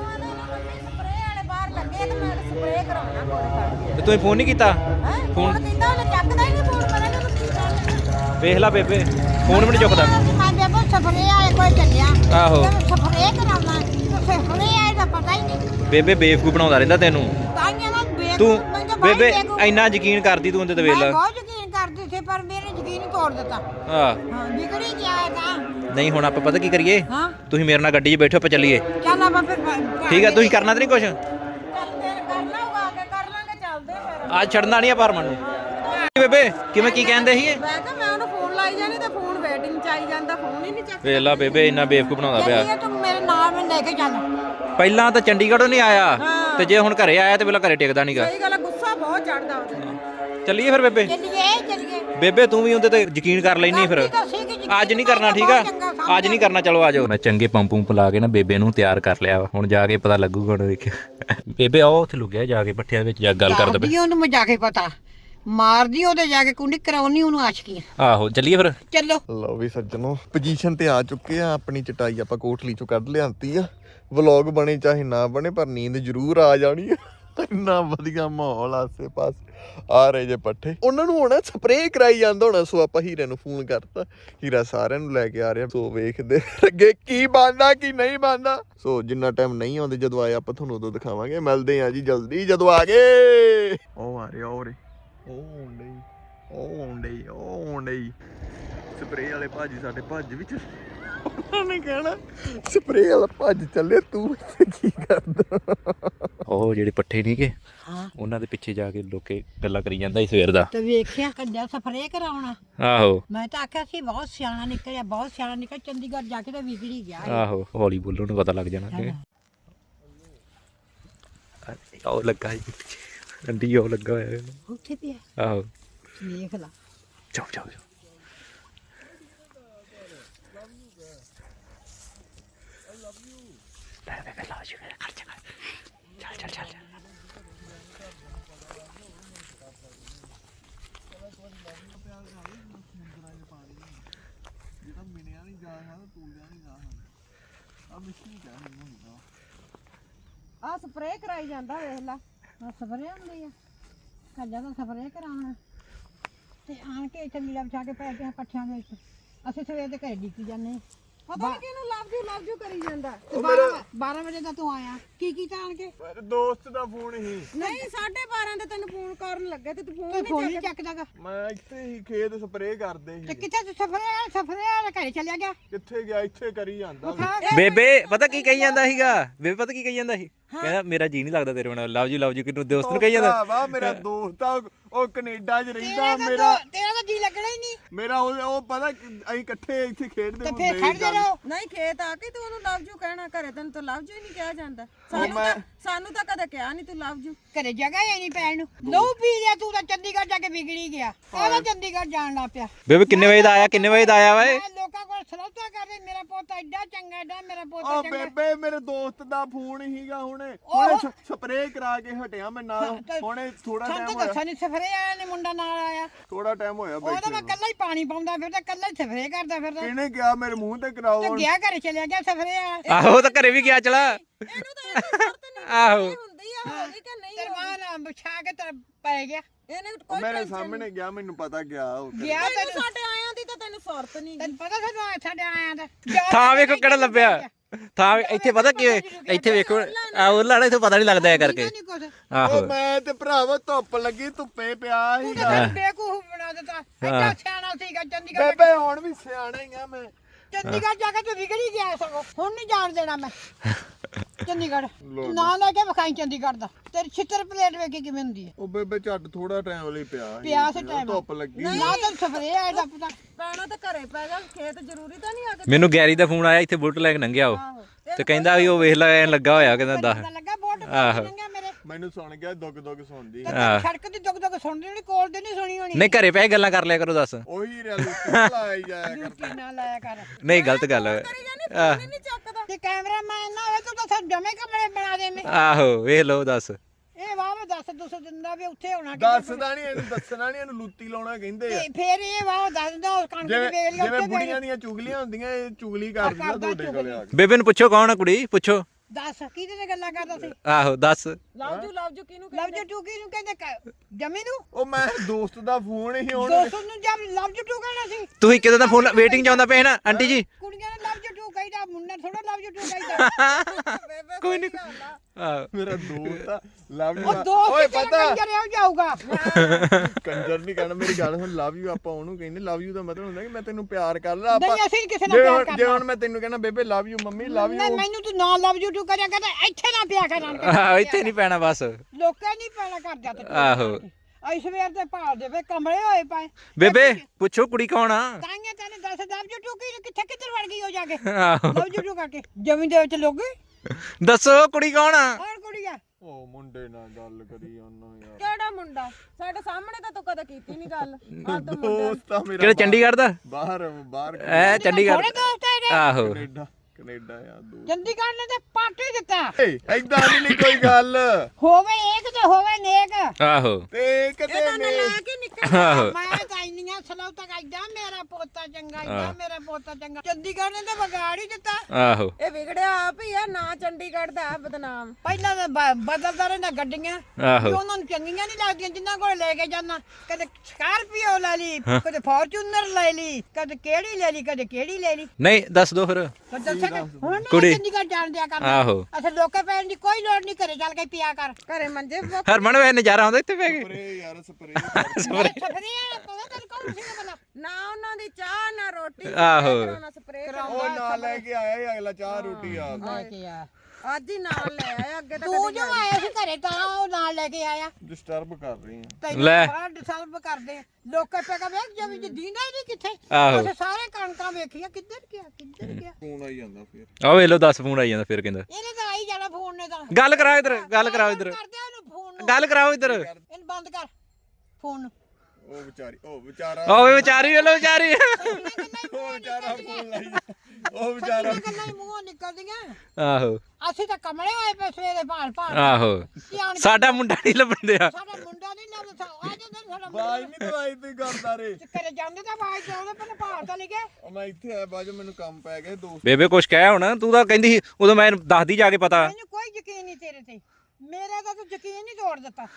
[SPEAKER 1] ਤੇ ਤੁਸੀਂ ਫੋਨ ਨਹੀਂ ਕੀਤਾ? ਫੋਨ ਵੇਖ ਲਾ ਬੇਬੇ ਫੋਨ ਵੀ ਨਹੀਂ ਚੁੱਕਦਾ। ਆਹੋ ਬੇਬੇ ਬੇਵਕੂਫ ਬਣਾਉਂਦਾ ਰਹਿੰਦਾ ਤੈਨੂੰ। ਤੂੰ ਬੇਬੇ ਇੰਨਾ ਯਕੀਨ ਕਰਦੀ ਤੂੰ ਉਹਦੇ ਤੇ ਵੇਖ ਲਾ।
[SPEAKER 2] ਬਹੁਤ ਯਕੀਨ ਕਰਦੀ ਸੀ ਪਰ ਮੇਰੇ ਯਕੀਨ ਹੀ ਤੋੜ ਦਿੱਤਾ।
[SPEAKER 1] ਹਾਂ
[SPEAKER 2] ਵਿਗੜੀ ਗਿਆ ਤਾਂ
[SPEAKER 1] ਨਹੀਂ ਹੁਣ ਆਪਾਂ ਪਤਾ ਕੀ ਕਰੀਏ ਤੁਸੀਂ ਮੇਰੇ ਨਾਲ ਗੱਡੀ 'ਚ ਬੈਠੋ ਆਪਾਂ ਚੱਲੀਏ।
[SPEAKER 2] ਚੱਲ ਆਪਾਂ ਫਿਰ
[SPEAKER 1] ਠੀਕ ਆ ਤੁਸੀਂ ਕਰਨਾ ਤੇ ਨਹੀਂ ਕੁਛ ਅੱਜ ਛੱਡਣਾ ਨਹੀਂ ਆਪਾਂ ਹਰਮਨ ਨੂੰ। ਬੇਬੇ ਕਿਵੇਂ ਕੀ ਕਹਿੰਦੇ ਸੀ?
[SPEAKER 2] ਮੈਂ ਕਿਹਾ ਮੈਂ ਉਹਨੂੰ ਫੋਨ ਲਾਈ ਜਾਣੀ ਤੇ ਫੋਨ ਵੇਟਿੰਗ ਚ ਆਈ ਜਾਂਦਾ ਫੋਨ ਹੀ ਨਹੀਂ ਚੱਕਦਾ।
[SPEAKER 1] ਵੇਖ ਲਾ ਬੇਬੇ ਇੰਨਾ ਬੇਵਕੂਫ ਬਣਾਉਂਦਾ ਪਿਆ।
[SPEAKER 2] ਤੂੰ ਮੇਰੇ ਨਾਲ ਮੈਨੂੰ ਲੈ ਕੇ ਚੱਲ।
[SPEAKER 1] ਪਹਿਲਾਂ ਤਾਂ ਚੰਡੀਗੜ੍ਹੋਂ ਨਹੀਂ ਆਇਆ ਤੇ ਜੇ ਹੁਣ ਘਰੇ ਆਇਆ ਤੇ ਪਹਿਲਾਂ ਘਰੇ ਟਿਕਦਾ ਨਹੀਂਗਾ।
[SPEAKER 2] ਸਹੀ ਗੱਲ ਗੁੱਸਾ ਬਹੁਤ ਚੜਦਾ ਉਹਦੇ।
[SPEAKER 1] ਚੱਲੀਏ ਫਿਰ ਬੇਬੇ।
[SPEAKER 2] ਚੱਲੀਏ
[SPEAKER 1] ਬੇਬੇ ਤੂੰ ਵੀ ਉਹਦੇ ਤੇ ਯਕੀਨ ਕਰ ਲੈਣੀ ਫਿਰ। ਅੱਜ ਨਹੀਂ ਕਰਨਾ ਠੀਕ ਆ ਅੱਜ ਨਹੀਂ ਕਰਨਾ ਚਲੋ ਆ ਜਾਓ। ਮੈਂ ਚੰਗੇ ਪੰਪ ਲਾ ਕੇ ਨਾ ਬੇਬੇ ਨੂੰ ਤਿਆਰ ਕਰ ਲਿਆ ਹੁਣ ਜਾ ਕੇ ਪਤਾ ਲੱਗੂਗਾ ਹੁਣ ਦੇਖਿਆ। ਬੇਬੇ ਆਓ ਉੱਥੇ ਲੁਕਿਆ ਜਾ ਕੇ ਪੱਠਿਆਂ ਵਿੱਚ ਜਾ ਗੱਲ ਕਰਦਾ ਪਿਆ।
[SPEAKER 2] ਉਹਨੂੰ ਮੈਂ ਜਾ ਕੇ ਪਤਾ ਮਾਰਦੀ ਉਹਦੇ ਜਾ ਕੇ ਕੁੰਡੀ ਕਰਾਉਣੀ ਉਹਨੂੰ ਆਸ਼ਕੀ।
[SPEAKER 1] ਆਹੋ ਚੱਲੀਏ ਫਿਰ
[SPEAKER 2] ਚੱਲੋ।
[SPEAKER 3] ਲਓ ਵੀ ਸੱਜਣੋ ਪੋਜੀਸ਼ਨ ਤੇ ਆ ਚੁੱਕੇ ਆ ਆਪਣੀ ਚਟਾਈ ਆਪਾਂ ਕੋਠਲੀ ਚੋਂ ਕੱਢ ਲਿਆਂਤੀ ਆ। ਵਲੌਗ ਬਣੇ ਚਾਹੇ ਨਾ ਬਣੇ ਪਰ ਨੀਂਦ ਜ਼ਰੂਰ ਆ ਜਾਣੀ ਆ। ਇੰਨਾ ਵਧੀਆ ਮਾਹੌਲ ਆਸੇ ਪਾਸੇ ਆ ਰਹੇ ਜੇ ਪੱਠੇ ਉਹਨਾਂ ਨੂੰ ਹੋਣਾ ਸਪਰੇਅ ਕਰਾਈ ਜਾਂਦਾ ਹੋਣਾ। ਸੋ ਆਪਾਂ ਹੀਰੇ ਨੂੰ ਫੋਨ ਕਰਤਾ ਹੀਰਾ ਸਾਰਿਆਂ ਨੂੰ ਲੈ ਕੇ ਆ ਰਿਹਾ। ਸੋ ਵੇਖਦੇ ਅੱਗੇ ਕੀ ਬਣਦਾ ਕੀ ਨਹੀਂ ਬਣਦਾ। ਸੋ ਜਿੰਨਾ ਟਾਈਮ ਨਹੀਂ ਆਉਂਦੇ ਜਦੋਂ ਆਏ ਆਪਾਂ ਤੁਹਾਨੂੰ ਉਦੋਂ ਦਿਖਾਵਾਂਗੇ। ਮਿਲਦੇ ਆ ਜੀ ਜਲਦੀ ਜਦੋਂ ਆ ਗਏ। ਉਹ ਆ ਰਿਹਾ ਉਹ ਆਉਂਦੇ ਸਪਰੇਅ ਵਾਲੇ ਭਾਜੀ ਸਾਡੇ ਭੱਜ ਵਿੱਚ ਉਹਨਾਂ ਨੇ ਕਹਿਣਾ ਸਪਰੇਅ ਵਾਲਾ ਭੱਜ ਚੱਲੇ ਤੂੰ ਇੱਥੇ ਕੀ ਕਰਦਾ।
[SPEAKER 1] ਉਹ ਜਿਹੜੇ ਪੱਠੇ ਨਹੀਂਗੇ ਉਹਨਾਂ ਦੇ ਪਿੱਛੇ ਜਾ ਕੇ ਲੋਕੇ ਗੱਲਾਂ ਕਰੀ ਜਾਂਦਾ ਸੀ ਸਵੇਰ ਦਾ।
[SPEAKER 2] ਤੇ ਵੇਖਿਆ ਕੰਜਾ ਸਪਰੇਅ ਕਰਾਉਣਾ।
[SPEAKER 1] ਆਹੋ
[SPEAKER 2] ਮੈਂ ਤਾਂ ਆਖਿਆ ਸੀ ਬਹੁਤ ਸਿਆਣਾ ਨਿਕਲਿਆ ਚੰਡੀਗੜ੍ਹ ਜਾ ਕੇ ਤਾਂ ਵਿਗੜੀ ਗਿਆ।
[SPEAKER 1] ਆਹੋ ਹੌਲੀ ਬੋਲੋ ਨੂੰ ਪਤਾ ਲੱਗ ਜਾਣਾ। ਉਹ ਲੱਗਾ ਜੀ ਅੰਡੀ ਉਹ ਲੱਗਾ ਹੋਇਆ
[SPEAKER 2] ਉੱਥੇ ਪਿਆ।
[SPEAKER 1] ਆਹੋ
[SPEAKER 2] ਵੇਖ ਲਾ
[SPEAKER 1] ਜਾਓ ਚੱਲ
[SPEAKER 2] ਆ ਸਪਰੇਅ ਕਰਾਈ ਜਾਂਦਾ ਵੇਖ ਲਾ ਆ ਸਪਰੇਅ ਹੁੰਦੀ ਆ ਕੱਜਾ ਤਾਂ ਸਪਰੇਅ ਕਰਾਉਣਾ ਤੇ ਆਣ ਕੇ ਇੱਥੇ ਲੀੜਾ ਵਿਛਾ ਕੇ ਪੈ ਗਿਆ ਪੱਠਿਆਂ ਦੇ ਵਿੱਚ ਅਸੀਂ ਸਵੇਰ ਦੇ ਘਰੇ ਡਿੱਕੀ ਜਾਂਦੇ ਹਾਂ। ਪਤਾ ਨਹੀਂ ਕਿਹਨੂੰ ਲਵ ਜੂ ਕਰੀ ਜਾਂਦਾ 12 ਵਜੇ ਦਾ ਤੂੰ ਆਇਆ ਕੀ ਕੀਤਾ ਆਣ ਕੇ
[SPEAKER 3] ਮੇਰੇ ਦੋਸਤ ਦਾ ਫੋਨ ਹੀ
[SPEAKER 2] ਨਹੀਂ 12:30 ਤੇ ਤੈਨੂੰ ਫੋਨ ਕਰਨ ਲੱਗੇ ਤੇ ਤੂੰ ਫੋਨ ਨਹੀਂ ਚੱਕਦਾਗਾ
[SPEAKER 3] ਮੈਂ ਇੱਥੇ ਹੀ ਖੇਤ ਸਪਰੇਅ ਕਰਦੇ
[SPEAKER 2] ਤੇ
[SPEAKER 3] ਸੀ
[SPEAKER 2] ਕਿੱਥੇ ਸਫਰੇ ਘਰੇ ਚਲਿਆ ਗਿਆ
[SPEAKER 3] ਕਿੱਥੇ ਗਿਆ ਇੱਥੇ ਕਰੀ ਜਾਂਦਾ
[SPEAKER 1] ਬੇਬੇ ਪਤਾ ਕੀ ਕਹੀ ਜਾਂਦਾ ਸੀਗਾ ਬੇਬੇ ਪਤਾ ਕੀ ਕਹੀ ਜਾਂਦਾ ਸੀ ਕਹਿੰਦਾ ਮੇਰਾ ਜੀ ਨਹੀਂ ਲੱਗਦਾ ਤੇਰੇ ਨਾਲ ਲਵ ਯੂ ਕਿਨੂੰ ਦੋਸਤ ਨੂੰ ਕਹੀ ਜਾਂਦਾ
[SPEAKER 3] ਵਾਹ ਮੇਰਾ ਦੋਸਤ ਆ ਉਹ ਕੈਨੇਡਾ 'ਚ ਰਹਿੰਦਾ ਮੇਰਾ
[SPEAKER 2] ਤੇਰਾ ਤਾਂ ਜੀ ਲੱਗਣਾ ਹੀ ਨਹੀਂ
[SPEAKER 3] ਮੇਰਾ ਉਹ ਪਤਾ ਅਸੀਂ ਇਕੱਠੇ ਇੱਥੇ ਖੇਡਦੇ
[SPEAKER 2] ਤੇ ਫੇਰ ਖੜਦੇ ਰਹੋ ਨਹੀਂ ਖੇਤ ਆ ਕੇ ਤੂੰ ਉਹਨੂੰ ਲਵ ਜੂ ਕਹਿਣਾ ਘਰੇ ਤੈਨੂੰ ਤਾਂ ਲਵ ਜੂ ਹੀ ਨਹੀਂ ਕਿਹਾ ਜਾਂਦਾ ਸਾਨੂੰ ਤਾਂ ਕਦੇ ਕਿਹਾ ਨਹੀਂ ਤੂੰ ਲਵ ਜੂ ਘਰੇ ਜਗ੍ਹਾ ਹੀ ਨਹੀਂ ਪੈਣ ਨੂੰ ਲਹੂ ਪੀ ਲਿਆ ਤੂੰ ਤਾਂ ਚੰਡੀਗੜ੍ਹ ਜਾ ਕੇ ਵਿਗੜੀ ਗਿਆ ਉਹਦਾ ਚੰਡੀਗੜ੍ਹ ਜਾਣ ਲੱਗ ਪਿਆ
[SPEAKER 1] ਬੇਬੇ ਕਿੰਨੇ ਵਜੇ ਦਾ ਆਇਆ ਵਾ ਇਹ
[SPEAKER 2] ਮੈਂ ਲੋਕਾਂ ਕੋਲ ਸਲਾਹਤਾ ਕਰਦੇ ਮੇਰਾ ਪੁੱਤ ਐਡਾ ਚੰਗਾ ਐਡਾ ਮੇਰਾ ਪੁੱਤ
[SPEAKER 3] ਉਹ
[SPEAKER 2] ਚੰਗਾ
[SPEAKER 3] ਬੇਬੇ ਮੇਰੇ ਦੋਸਤ ਦਾ ਫੋਨ ਹੀਗਾ ਹੁਣੇ ਸਪਰੇਅ ਕਰਾ ਕੇ ਹਟਿਆ ਮੈਂ ਨਾਲ ਹੁਣੇ ਥੋੜਾ ਟਾਈਮ
[SPEAKER 2] ਸਾਨੂੰ ਤਾਂ ਦੱਸਿਆ ਨਹੀਂ ਸਫਰੇ ਆਇਆ ਨੇ ਮੁੰਡਾ ਨਾਲ ਆਇਆ
[SPEAKER 3] ਥੋੜਾ ਟਾਈਮ ਹੋਇਆ
[SPEAKER 2] ਉਹ ਤਾਂ ਮੈਂ ਕੱਲਾ ਹੀ ਪਾਣੀ ਪਾਉਂਦਾ ਫਿਰਦਾ ਕੱਲਾ ਹੀ ਸਫਰੇ ਕਰਦਾ ਫਿਰਦਾ
[SPEAKER 3] ਕਿਹਨੇ ਕਿਹਾ ਮੇਰੇ ਮੂੰਹ ਤੇ ਕਰਾਓ
[SPEAKER 2] ਤੇ ਗਿਆ ਘਰੇ ਚਲਿਆ ਗਿਆ ਸਫਰੇ ਆ
[SPEAKER 1] ਆਹੋ ਤਾਂ ਘਰੇ ਵੀ ਗਿਆ ਚਲਾ
[SPEAKER 2] ਇਹਨੂੰ ਤਾਂ ਇਹ ਜ਼ਰੂਰਤ ਨਹੀਂ
[SPEAKER 1] ਆਹੋ
[SPEAKER 2] ਹੁੰਦੀ ਆ ਹੋ ਗਈ ਕਿ ਨਹੀਂ ਤਰਮਾਨ ਵਿਛਾ ਕੇ ਤਰ ਪੈ ਗਿਆ ਇਹਨੇ ਕੋਈ
[SPEAKER 3] ਮੇਰੇ ਸਾਹਮਣੇ ਗਿਆ ਮੈਨੂੰ ਪਤਾ ਗਿਆ ਉਹ
[SPEAKER 2] ਗਿਆ ਤੈਨੂੰ ਸਾਡੇ ਆਇਆਂ ਦੀ ਤਾਂ ਤੈਨੂੰ ਸੁਰਤ ਨਹੀਂ ਤੈਨੂੰ ਪਤਾ ਸਾਡੇ ਆਇਆਂ ਦਾ
[SPEAKER 1] ਥਾਂ ਵੇਖੋ ਕਿਹੜਾ ਲੱਭਿਆ ਥਾਂ ਇੱਥੇ ਪਤਾ ਕੀ ਇੱਥੇ ਵੇਖੋ ਆ ਉਹ ਲਾਣਾ ਇੱਥੇ ਪਤਾ ਨਹੀਂ ਲੱਗਦਾ ਇਹ ਕਰਕੇ ਆਹੋ
[SPEAKER 3] ਮੈਂ ਤੇ ਭਰਾਵਾ ਧੁੱਪ ਲੱਗੀ ਧੁੱਪੇ ਪਿਆ ਸੀਗਾ
[SPEAKER 2] ਬੇਕੂਫ ਬਣਾ ਦਿੱਤਾ ਐਡਾ ਸਿਆਣਾ ਸੀਗਾ ਚੰਡੀਗੜ੍ਹ
[SPEAKER 3] ਬੇਬੇ ਹੁਣ ਵੀ ਸਿਆਣਾ ਹੀ ਆ ਮੈਂ
[SPEAKER 2] ਚੰਡੀਗੜ੍ਹ ਜਾ ਕੇ ਤੂੰ ਵਿਗੜੀ ਗਿਆ ਸਗੋਂ ਹੁਣ ਨਹੀਂ ਜਾਣ ਦੇਣਾ ਮੈਂ ਚੰਡੀਗੜ੍ਹ ਨਾ ਲੈ ਕੇ ਵਿਖਾਈ ਚੰਡੀਗੜ੍ਹ ਦਾ ਤੇਰੀ ਛਿੱਤਰ ਪਲੇਟ ਵੇਖੀ ਕਿਵੇਂ ਹੁੰਦੀ ਹੈ
[SPEAKER 3] ਉਹ ਬੇਬੇ ਝੱਟ ਥੋੜਾ ਟਾਈਮ ਲਈ ਪਿਆ
[SPEAKER 2] ਸੀ ਟਾਈਮ
[SPEAKER 3] ਧੁੱਪ ਲੱਗੀ
[SPEAKER 2] ਨਾ ਤਾਂ ਸਫਰੇ ਆਇਆ ਦਾ ਪਤਾ ਪੈਣਾ ਤਾਂ ਘਰੇ ਪੈ ਜਾ ਖੇਤ ਜ਼ਰੂਰੀ ਤਾਂ ਨਹੀਂ ਆ ਕੇ
[SPEAKER 1] ਮੈਨੂੰ ਗੈਰੀ ਦਾ ਫੋਨ ਆਇਆ ਇੱਥੇ ਬੁਲਟ ਲੈ ਕੇ ਲੰਘਿਆ ਉਹ ਤੇ ਕਹਿੰਦਾ ਵੀ ਉਹ ਵੇਖ ਲੈ ਐਂ ਲੱਗਾ ਹੋਇਆ ਕਹਿੰਦਾ 10
[SPEAKER 2] ਲੱਗਾ ਬੋਟ ਲੰਘਿਆ ਮੇਰੇ
[SPEAKER 3] ਮੈਨੂੰ ਸੁਣ ਗਿਆ ਦੁੱਗ ਸੁਣਦੀ
[SPEAKER 2] ਸੜਕ ਦੀ ਦੁੱਗ ਸੁਣਦੀ ਨਹੀਂ ਕੋਲ ਦੀ ਨਹੀਂ ਸੁਣੀ ਹੋਣੀ
[SPEAKER 1] ਨਹੀਂ ਘਰੇ ਪੈ ਗੱਲਾਂ ਕਰ ਲਿਆ ਕਰੋ ਦੱਸ
[SPEAKER 3] ਉਹੀ ਰਿਐਲਿਸਟਿਕ ਲਾਈ ਜਾਇਆ ਕਰਦਾ
[SPEAKER 2] ਨਾ ਲਾਇਆ ਕਰ
[SPEAKER 1] ਨਹੀਂ ਗਲਤ ਗੱਲ ਹੈ
[SPEAKER 2] ਨਹੀਂ ਚੱਕਦਾ ਤੇ ਕੈਮਰਾਮੈਨ ਨਾ ਹੋਵੇ ਤੂੰ ਤਾਂ ਜਮੇ ਕਮਰੇ ਬਣਾ ਦੇਵੇਂ
[SPEAKER 1] ਆਹੋ ਵੇਖ ਲਓ ਦੱਸ
[SPEAKER 2] ਇਹ ਵਾਹ ਦੱਸ ਦਿੰਦਾ ਵੀ ਉੱਥੇ ਹੋਣਾ
[SPEAKER 3] ਦੱਸਦਾ ਨਹੀਂ ਇਹਨੂੰ ਦੱਸਣਾ ਨਹੀਂ ਇਹਨੂੰ ਲੁੱਤੀ ਲਾਉਣਾ ਕਹਿੰਦੇ ਆ
[SPEAKER 2] ਤੇ ਫੇਰ ਇਹ ਵਾਹ ਦੱਸ ਦਿੰਦਾ ਉਸ ਕਣਕ ਦੀ ਵੇਲ
[SPEAKER 3] ਜਿਵੇਂ ਬੁੜੀਆਂ ਦੀਆਂ ਚੁਗਲੀਆਂ ਹੁੰਦੀਆਂ ਇਹ ਚੁਗਲੀ ਕਰਦਾ ਤੁਹਾਡੇ ਕੋਲੇ ਆ ਕੇ
[SPEAKER 1] ਬੇਬੇ ਨੂੰ ਪੁੱਛੋ ਕੌਣ ਆ ਕੁੜੀ ਪੁੱਛੋ
[SPEAKER 2] ਦੱਸ ਕਿਹਦੇ ਨਾਲ ਗੱਲਾਂ ਕਰਦਾ ਸੀ
[SPEAKER 1] ਆਹੋ ਦੱਸ
[SPEAKER 2] ਲਵ ਜੂ ਕਿਹਨੂੰ ਕਹਿੰਦੇ ਲਵ ਜੂ ਕਿਹਨੂੰ ਕਹਿੰਦੇ ਜਮੀ ਨੂੰ
[SPEAKER 3] ਉਹ ਮੈਂ ਦੋਸਤ ਦਾ ਫੋਨ ਹੀ ਹੁਣ
[SPEAKER 2] ਦੋਸਤ ਨੂੰ ਜਦ ਲਵ ਜੂ ਕਹਿਣਾ ਸੀ
[SPEAKER 1] ਤੁਸੀਂ ਕਿਦੋਂ ਦਾ ਫੋਨ ਵੇਟਿੰਗ ਚ ਆਉਂਦਾ ਪਿਆ ਨਾ ਆਂਟੀ ਜੀ
[SPEAKER 2] ਕੁੜੀਆਂ ਨੇ ਲਵ ਜੂ ਕਹਿੰਦਾ ਮੁੰਡਾ ਥੋੜਾ ਲਵ ਜੂ ਕਹਿੰਦਾ
[SPEAKER 1] ਕੋਈ ਨਹੀਂ
[SPEAKER 3] ਮੇਰਾ ਦੋਸਤ ਆ ਲਵ
[SPEAKER 2] ਉਹ ਦੋਸਤ
[SPEAKER 3] ਓਏ ਪਤਾ
[SPEAKER 2] ਕੰਜਰ ਹੋ ਜਾਊਗਾ
[SPEAKER 3] ਕੰਜਰ ਨਹੀਂ ਕਹਿਣਾ ਮੇਰੀ ਗੱਲ ਸੁਣ ਲਵ ਯੂ ਆਪਾਂ ਉਹਨੂੰ ਕਹਿੰਦੇ ਲਵ ਯੂ ਦਾ ਮਤਲਬ ਹੁੰਦਾ ਕਿ ਮੈਂ ਤੈਨੂੰ ਪਿਆਰ ਕਰਦਾ ਆਪਾਂ
[SPEAKER 2] ਨਹੀਂ ਅਸੀਂ ਕਿਸੇ ਨਾਲ ਪਿਆਰ
[SPEAKER 3] ਜੇ ਹੁਣ ਮੈਂ ਤੈਨੂੰ ਕਹਿੰਦਾ ਬੇਬੇ love you mummy love you
[SPEAKER 2] ਮੈਨੂੰ ਤੂੰ ਨਾ ਲਵ ਯੂ ਕਰਿਆ ਕਹਿੰਦਾ ਇੱਥੇ ਨਾ ਪਿਆ ਕਰਾਂ
[SPEAKER 1] ਆਹੋ ਇੱਥੇ ਨਹੀਂ ਪੈਣਾ ਬਸ
[SPEAKER 2] ਲੋਕਾਂ ਨਹੀਂ ਪੈਣਾ ਕਰ ਜਾ ਤੇ
[SPEAKER 1] ਆਹੋ
[SPEAKER 2] ਆਈ ਸਵੇਰ ਤੇ ਭਾਲ ਦੇ ਵੇ ਕਮਰੇ ਹੋਏ ਪਏ
[SPEAKER 1] ਬੇਬੇ ਪੁੱਛੋ ਕੁੜੀ ਕੌਣ ਆ
[SPEAKER 2] ਤਾਂਗੇ ਤੈਨੂੰ ਦੱਸ ਲਵ ਯੂ ਕਿੱਧਰ ਵੜ ਗਈ ਹੋ ਜਾ ਕੇ
[SPEAKER 1] ਆਹੋ
[SPEAKER 2] ਲਵ ਯੂ ਕਰਕੇ ਜ਼ਮੀਨ ਦੇ ਵਿੱਚ ਲੋਕ
[SPEAKER 1] ਦੱਸੋ ਕੁੜੀ ਕੌਣ ਆ
[SPEAKER 2] ਔਰ ਕੁੜੀ ਆ
[SPEAKER 3] ਉਹ ਮੁੰਡੇ ਨਾਲ ਗੱਲ ਕਰੀ ਉਹਨਾਂ ਯਾਰ
[SPEAKER 2] ਕਿਹੜਾ ਮੁੰਡਾ ਸਾਡੇ ਸਾਹਮਣੇ ਤਾਂ ਤੂੰ ਕਦੇ ਕੀਤੀ ਨਹੀਂ ਗੱਲ
[SPEAKER 3] ਦੋਸਤ ਆ ਮੇਰਾ
[SPEAKER 1] ਕਿਹੜਾ ਚੰਡੀਗੜ੍ਹ ਦਾ
[SPEAKER 3] ਬਾਹਰ
[SPEAKER 1] ਐ ਚੰਡੀਗੜ੍ਹ
[SPEAKER 2] ਥੋੜੇ ਦੋਸਤ ਹੈ ਇਹਦੇ
[SPEAKER 1] ਆਹੋ
[SPEAKER 3] ਕੈਨੇਡਾ ਆ ਦੋਸਤ
[SPEAKER 2] ਚੰਡੀਗੜ੍ਹ ਨੇ ਤੇ ਪਾਰਟੀ ਦਿੱਤਾ
[SPEAKER 3] ਐਦਾਂ ਨਹੀਂ ਕੋਈ ਗੱਲ
[SPEAKER 2] ਹੋਵੇ ਏਕ ਤੇ ਹੋਵੇ ਨੇਕ
[SPEAKER 1] ਆਹੋ
[SPEAKER 3] ਤੇ ਕਿਤੇ
[SPEAKER 1] ਆਹੋ
[SPEAKER 2] ਮੈਂ ਤਾਂ ਇੰਨੀਆਂ ਸਲਾਹ ਤੱਕ ਐਡਾ ਮੇਰਾ ਪੋਤਾ ਚੰਗਾ ਐਡਾ ਮੇਰਾ ਪੋਤਾ ਚੰਗਾ ਚੰਡੀਗੜ੍ਹ ਨੇ ਤੇ ਵਿਗਾੜ ਹੀ ਦਿੱਤਾ
[SPEAKER 1] ਆਹੋ
[SPEAKER 2] ਇਹ ਵਿਗੜਿਆ ਆਪ ਹੀ ਆ ਨਾ ਚੰਡੀਗੜ੍ਹ ਦਾ ਬਦਨਾਮ ਪਹਿਲਾਂ ਤਾਂ ਬਦਲਦਾ ਰਹਿੰਦਾ ਗੱਡੀਆਂ
[SPEAKER 1] ਆਹੋ
[SPEAKER 2] ਉਹਨਾਂ ਨੂੰ ਚੰਗੀਆਂ ਨਹੀਂ ਲੱਗਦੀਆਂ ਜਿੰਨਾਂ ਕੋਲ ਲੈ ਕੇ ਜਾਣਾ ਕਦੇ ਸਕਾਰਪੀਓ ਲੈ ਲਈ ਕਦੇ ਫੋਰਚੂਨਰ ਲੈ ਲਈ ਕਦੇ ਕਿਹੜੀ ਲੈ ਲਈ ਕਦੇ ਕਿਹੜੀ ਲੈ ਲਈ
[SPEAKER 1] ਨਹੀਂ ਦੱਸ ਦੋ ਫਿਰ
[SPEAKER 2] ਹੁਣ
[SPEAKER 1] ਕੁੜੀ
[SPEAKER 2] ਚੰਡੀਗੜ੍ਹ ਜਾਣ ਦਿਆ ਕਰ
[SPEAKER 1] ਆਹੋ
[SPEAKER 2] ਅਸਾਂ ਲੋਕਾਂ ਪੈਣ ਦੀ ਕੋਈ ਲੋੜ ਨਹੀਂ ਘਰੇ ਚੱਲ ਕੇ ਪਿਆ ਕਰ ਘਰੇ ਮੰਜੇ
[SPEAKER 1] ਹਰਮਨ ਵੇ ਨਜ਼ਾਰਾ ਆਉਂਦਾ ਇੱਥੇ ਬਹਿ ਕੇ
[SPEAKER 3] ਸਪਰੇ ਯਾਰ ਸਪਰੇ
[SPEAKER 2] ਸਫਰੇ ਪਤਾ ਤੈਨੂੰ ਕੌਣ ਸੀ ਬਲਾ ਨਾ ਉਹਨਾਂ ਦੀ ਚਾਹ ਨਾ ਰੋਟੀ
[SPEAKER 1] ਆਹੋ
[SPEAKER 3] ਉਹ ਨਾਲ ਲੈ ਕੇ ਆਇਆ ਹੀ ਅਗਲਾ ਚਾਹ ਰੋਟੀ ਆ
[SPEAKER 2] ਅੱਜ ਹੀ ਨਾਲ ਲੈ ਆਇਆ ਅੱਗੇ ਤਾਂ ਤੂੰ ਜੋ ਆਇਆ ਸੀ ਘਰੇ ਤਾਂ ਉਹ ਨਾਲ ਲੈ ਕੇ ਆਇਆ
[SPEAKER 3] ਡਿਸਟਰਬ ਕਰ ਰਹੀ ਆ
[SPEAKER 2] ਤੈਨੂੰ
[SPEAKER 1] ਲੈ।
[SPEAKER 2] ਬਾਹਰ ਡਿਸਟਰਬ ਕਰਦੇ ਲੋਕਾਂ ਪੇਗਾ ਵੇਖ ਜਿਵੇਂ ਦੀਂਦਾ ਹੀ ਨਹੀਂ ਕਿੱਥੇ
[SPEAKER 1] ਆਹੋ।
[SPEAKER 2] ਉੱਥੇ ਸਾਰੇ ਕਣਕਾਂ ਵੇਖੀਆਂ ਕਿੱਧਰ ਗਿਆ
[SPEAKER 3] ਫੋਨ ਆਈ ਜਾਂਦਾ ਫਿਰ
[SPEAKER 1] ਆਹ ਵੇਖ ਲਓ 10 ਫੋਨ ਆਈ ਜਾਂਦਾ ਫਿਰ ਕਹਿੰਦਾ
[SPEAKER 2] ਇਹਨੇ ਤਾਂ ਆਈ ਜਾਣਾ ਫੋਨ ਨੇ ਤਾਂ
[SPEAKER 1] ਗੱਲ ਕਰਾਓ ਇੱਧਰ ਗੱਲ ਕਰਾਓ ਇੱਧਰ
[SPEAKER 2] ਕਰਦੇ ਉਹਨੂੰ ਫੋਨ ਨੂੰ
[SPEAKER 1] ਗੱਲ ਕਰਾਓ ਇੱਧਰ
[SPEAKER 2] ਇਹਨੂੰ ਬੰਦ ਕਰ ਫੋਨ
[SPEAKER 3] ਉਹ ਵਿਚਾਰਾ
[SPEAKER 1] ਓਏ ਵਿਚਾਰੀ ਵੇਲੋ ਵਿਚਾਰੀ
[SPEAKER 3] ਉਹ ਵਿਚਾਰਾ ਫੋਨ ਲਾਈ ਉਹ ਵਿਚਾਰਾ
[SPEAKER 2] ਗੱਲਾਂ ਹੀ ਮੂੰਹੋਂ ਨਿਕਲਦੀਆਂ।
[SPEAKER 1] ਆਹੋ
[SPEAKER 2] ਅਸੀਂ ਤਾਂ ਕਮਲੇ ਹੋਏ ਪਏ ਸਵੇਰੇ ਭਾਲ ਭਾਲ
[SPEAKER 1] ਆਹੋ ਸਾਡਾ ਮੁੰਡਾ ਨਹੀਂ ਲੱਭਣ ਦਿਆ।
[SPEAKER 2] ਸਾਡਾ ਮੁੰਡਾ ਨਹੀਂ ਲੱਭਦਾ ਆ ਜਾਂਦਾ ਸਾਡਾ
[SPEAKER 3] ਬਾਈ ਨਹੀਂ ਦਵਾਈ ਤੇ ਕਰਦਾ ਰੇ
[SPEAKER 2] ਘਰੇ ਜਾਂਦੇ ਤਾਂ ਆਵਾਜ਼ ਤੇ ਆਉਂਦੇ ਪਰ ਭਾਲ ਤਾਂ ਲਿਖੇ
[SPEAKER 3] ਮੈਂ ਇੱਥੇ ਆਇਆ ਬਾਜੋ ਮੈਨੂੰ ਕੰਮ ਪੈ ਗਿਆ ਦੋਸਤ
[SPEAKER 1] ਬੇਬੇ ਕੁਛ ਕਹਿ ਹੁਣ ਤੂੰ ਤਾਂ ਕਹਿੰਦੀ ਸੀ ਉਦੋਂ ਮੈਂ ਦੱਸਦੀ ਜਾ ਕੇ ਪਤਾ।
[SPEAKER 2] ਮੈਨੂੰ ਕੋਈ ਯਕੀਨ ਨਹੀਂ ਤੇਰੇ ਤੇ ਮੇਰਾ ਤਾਂ ਤੂੰ ਯਕੀਨ ਨਹੀਂ ਤੋੜ ਦਿੱਤਾ।